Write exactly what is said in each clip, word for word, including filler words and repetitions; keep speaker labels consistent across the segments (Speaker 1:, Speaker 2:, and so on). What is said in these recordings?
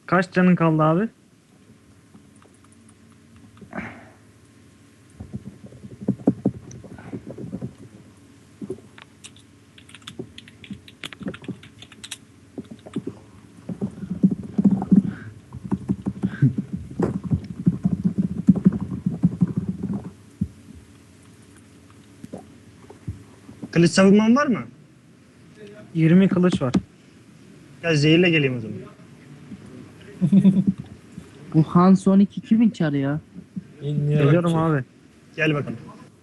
Speaker 1: Kaç canın kaldı abi?
Speaker 2: Kılıç savunman var mı?
Speaker 1: yirmi kılıç var.
Speaker 2: Ya zehirle geleyim o zaman.
Speaker 3: Bu Hans on iki kimin çarı ya?
Speaker 4: Bilmiyorum
Speaker 1: Geliyorum
Speaker 4: ki.
Speaker 1: abi.
Speaker 2: Gel bakalım.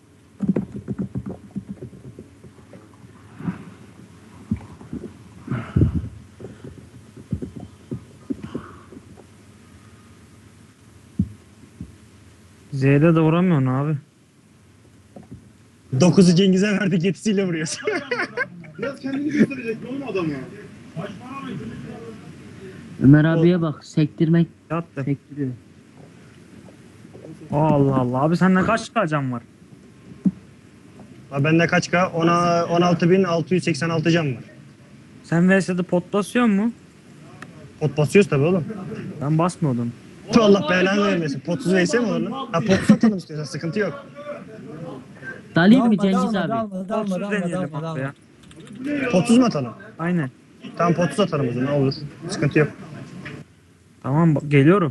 Speaker 1: Z'de de vuramıyorsun abi.
Speaker 2: Dokuzu Cengiz'e verdik yetisiyle vuruyorsun.
Speaker 5: Biraz kendini gösterecek oğlum adamı.
Speaker 3: Ömer abiye bak sektirmek
Speaker 1: Yattı.
Speaker 3: sektiriyor.
Speaker 1: Allah Allah. Abi sende kaç can var?
Speaker 2: Ha, bende kaç K? Ona on altı bin altı yüz seksen altı can var.
Speaker 1: Sen V S'de pot basıyor mu?
Speaker 2: Pot basıyoruz tabii oğlum.
Speaker 1: Ben basmıyordum.
Speaker 2: Tu Allah belanı vermesin. Potsuz V S mi olur lan? Ha potsuz atalım istiyorsan sıkıntı yok.
Speaker 3: Dalayım mı
Speaker 4: Dalma,
Speaker 3: Cengiz
Speaker 4: dalma,
Speaker 3: abi?
Speaker 4: dalma, dalma,
Speaker 1: Potsuz
Speaker 4: dalma,
Speaker 1: deneyelim
Speaker 4: dalma,
Speaker 1: abi
Speaker 4: dalma.
Speaker 1: ya.
Speaker 2: Potsuz mu atalım?
Speaker 1: Aynen.
Speaker 2: Tamam potsuz atalım o zaman olur. Sıkıntı yok.
Speaker 1: Tamam bak- geliyorum.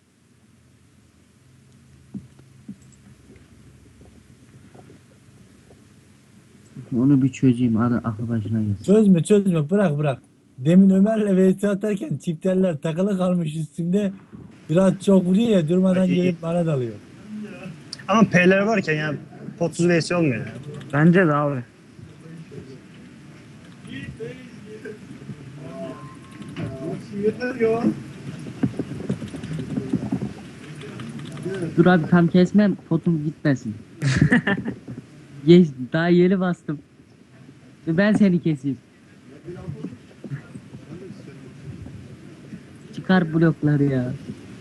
Speaker 3: Onu bir çözeyim. Adı aklı başına gelsin.
Speaker 4: Çözme çözme bırak bırak. Demin Ömer'le V S atarken çifterler takılı kalmış üstünde. Biraz çok vuruyor ya durmadan
Speaker 2: İyi, iyi.
Speaker 4: gelip bana dalıyor.
Speaker 2: Ama P'ler varken ya potsuz V S olmuyor.
Speaker 1: Bence de abi.
Speaker 5: Yeter ya.
Speaker 3: Dur abi tam kesmem potum gitmesin. Geç, daha yeni bastım. Ben seni keseyim. Çıkar blokları ya.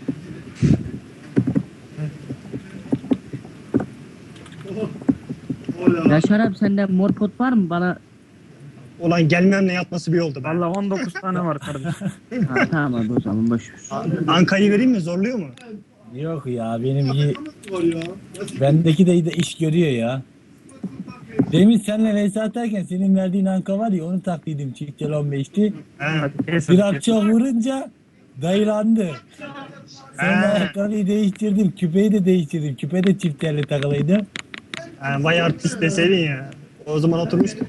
Speaker 3: Yaşar abi sende mor pot var mı bana?
Speaker 2: Ulan gelmemle yatması bir oldu be.
Speaker 1: Valla on dokuz tane var kardeşim.
Speaker 3: Ha, tamam abi o zaman boş ver.
Speaker 2: A- Anka'yı vereyim mi? Zorluyor mu?
Speaker 4: Yok ya benim iyi.
Speaker 5: Var ya.
Speaker 4: Bendeki de, de iş görüyor ya. Demin seninle V S atarken senin verdiğin anka var ya onu taklıydım çiftel on beşti.
Speaker 2: He.
Speaker 1: Hadi kes hadi
Speaker 4: Biraz
Speaker 1: kes.
Speaker 4: çok vurunca dayılandı. Sonra
Speaker 2: He.
Speaker 4: ayakkabıyı değiştirdim. Küpeyi de değiştirdim. Küpe de çifterli takılıydı.
Speaker 2: Ha, vay artist deseydin ya. O zaman oturmuştuk.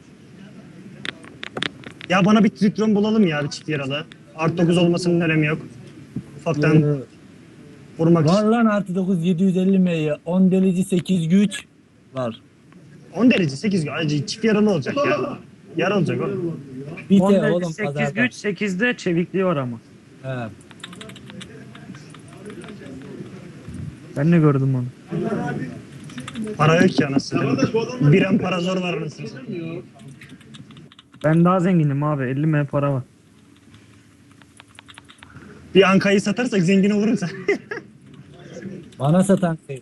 Speaker 2: Ya bana bir tritron bulalım ya bir çift yaralı. Artı dokuz olmasının önemi yok. Ufaktan
Speaker 4: Ee,
Speaker 2: vurmak
Speaker 4: Var
Speaker 2: için.
Speaker 4: lan artı dokuz yedi yüz elli M'ye on delici sekiz güç var.
Speaker 2: on derece sekiz acı çift yaralı olacak ya. Yara olacak oğlum.
Speaker 4: Bir
Speaker 1: on
Speaker 4: de oğlum
Speaker 1: sekiz
Speaker 4: pazarda.
Speaker 1: güç sekizde çevikliği var ama.
Speaker 4: He.
Speaker 1: Ben de gördüm onu.
Speaker 2: Para yok ki anasını. Bir an para zor var anasını.
Speaker 1: Ben daha zenginim abi. elli M para var.
Speaker 2: Bir Anka'yı satarsak zengin olurum sen.
Speaker 4: Bana satan şey.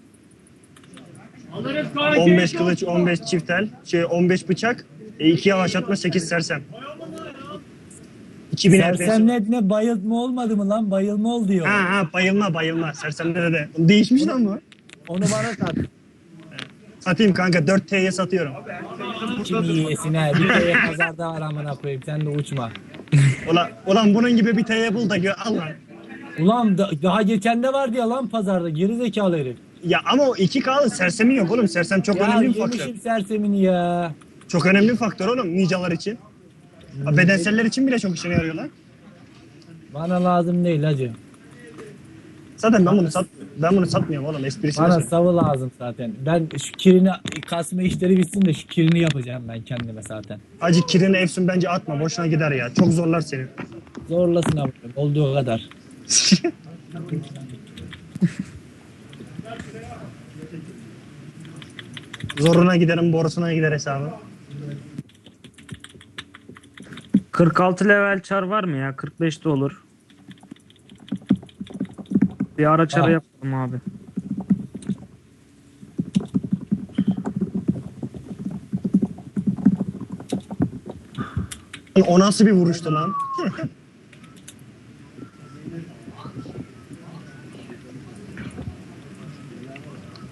Speaker 2: on beş kılıç, on beş çiftel, şey on beş bıçak, iki yavaşlatma, sekiz sersem. iki bin F P S.
Speaker 4: Sersemlet ne bayıltma olmadı mı lan? Bayılma ol diyor.
Speaker 2: Ha ha bayılma bayılma. Sersemlere de. Değişmiş lan bu.
Speaker 4: Onu bana sat.
Speaker 2: Satayım kanka dört T'ye satıyorum.
Speaker 4: Kim yiyesin ha? Bir kere pazarda var amına koyayım. Sen de uçma.
Speaker 2: Ulan, ulan bunun gibi bir T'ye bul da gö al lan.
Speaker 4: Ulan da- daha geçen de vardı ya lan pazarda. Geri zekalı herif.
Speaker 2: Ya ama o iki K'lı sersemin yok oğlum. Sersem çok
Speaker 4: Ya
Speaker 2: önemli bir faktör.
Speaker 4: yemişim sersemini ya.
Speaker 2: Çok önemli bir faktör oğlum nicalar için. Ha, bedenseller için bile çok işine yarıyor lan.
Speaker 4: Bana lazım değil hacı.
Speaker 2: Zaten ben bunu sat ben bunu satmıyorum oğlum esprisine.
Speaker 4: Bana
Speaker 2: söylüyorum.
Speaker 4: savı lazım zaten. Ben şu kirini kasma işleri bitsin de şu kirini yapacağım ben kendime zaten.
Speaker 2: Acı kirini Efsun bence atma boşuna gider ya. Çok zorlar seni.
Speaker 4: Zorlasın abi olduğu kadar.
Speaker 2: Zoruna giderim borusuna gider hesabı.
Speaker 1: kırk altı level çar var mı ya? kırk beşte olur. Bir ara çarı
Speaker 4: Ah.
Speaker 1: yapalım abi.
Speaker 2: O nasıl bir vuruştu lan?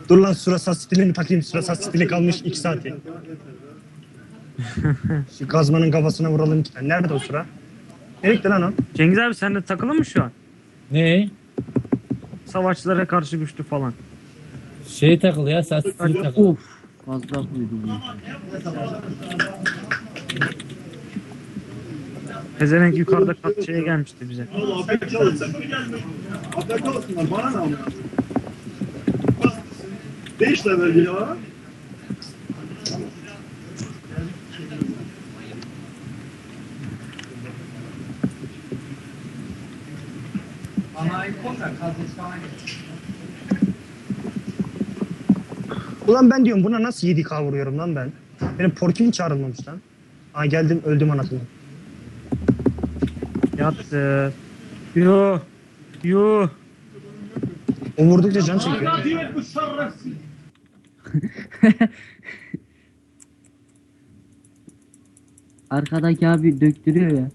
Speaker 2: Dur lan sürasat stilini takayım. Sürasat stili kalmış iki saati. Şu gazmanın kafasına vuralım iki tane. Nerede o sıra? Nerede lan o?
Speaker 1: Cengiz abi sen de takılı mı şu an?
Speaker 4: Ne?
Speaker 1: Savaşçılara karşı güçlü falan.
Speaker 4: Şey takılı ya, saç stili takılı.
Speaker 3: Of. Fazla koydum ya.
Speaker 1: Pezevenk yukarıda kat şeye gelmişti bize.
Speaker 5: Oğlum afiyet olsun. Afiyet olsunlar. Bana ne ama? Beş level ya.
Speaker 2: Ulan ben diyorum buna nasıl yedi K vuruyorum lan ben? Benim porkim çağrılmamış lan. Aa geldim öldüm anasını.
Speaker 1: Yattı. Yo. Yo.
Speaker 2: O vurdukça can çekiyor.
Speaker 3: Arkadaki abi döktürüyor ya.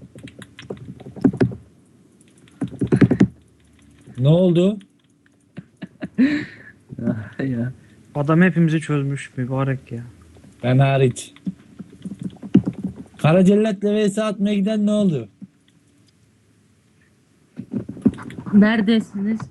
Speaker 4: Ne oldu?
Speaker 3: ya.
Speaker 1: Adam hepimizi çözmüş mübarek ya.
Speaker 4: Ben hariç. Kara Cellat'la vs atmaya giden ne oldu?
Speaker 3: Neredesiniz?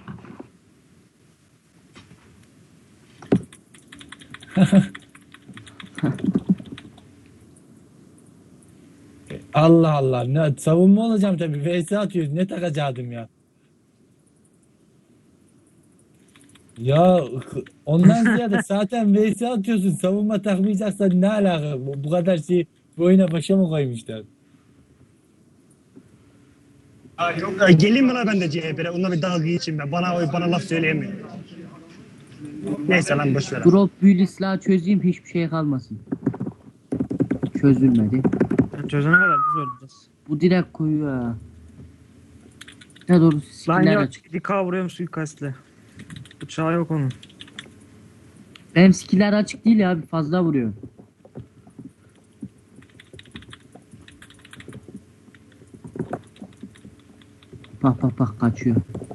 Speaker 4: Allah Allah. Ne, savunma olacağım tabii. vs atıyoruz. Ne takacaktım ya? Ya ondan ziyade zaten vs atıyorsun. Savunma takmayacaksan ne alaka? Bu, bu kadar şey bu oyuna başa mı koymuşlar?
Speaker 2: Aa, geleyim mi lan ben de C H P'ye? Onunla bir dalga geçeyim ben. Bana, bana laf söyleyemiyor. Neyse lan boş ver.
Speaker 3: Drop büyülü silahı çözeyim, hiçbir şey kalmasın. Çözülmedi.
Speaker 1: Yani çözene kadar biz öleceğiz.
Speaker 3: Bu direkt koyuyor ha. Ne doğru
Speaker 1: Lan
Speaker 3: skiller
Speaker 1: yok.
Speaker 3: açık.
Speaker 1: yedi K vuruyorum suikastle. Bıçağı yok onun.
Speaker 3: Benim skiller açık değil ya abi, fazla vuruyor. Bak bak bak kaçıyor.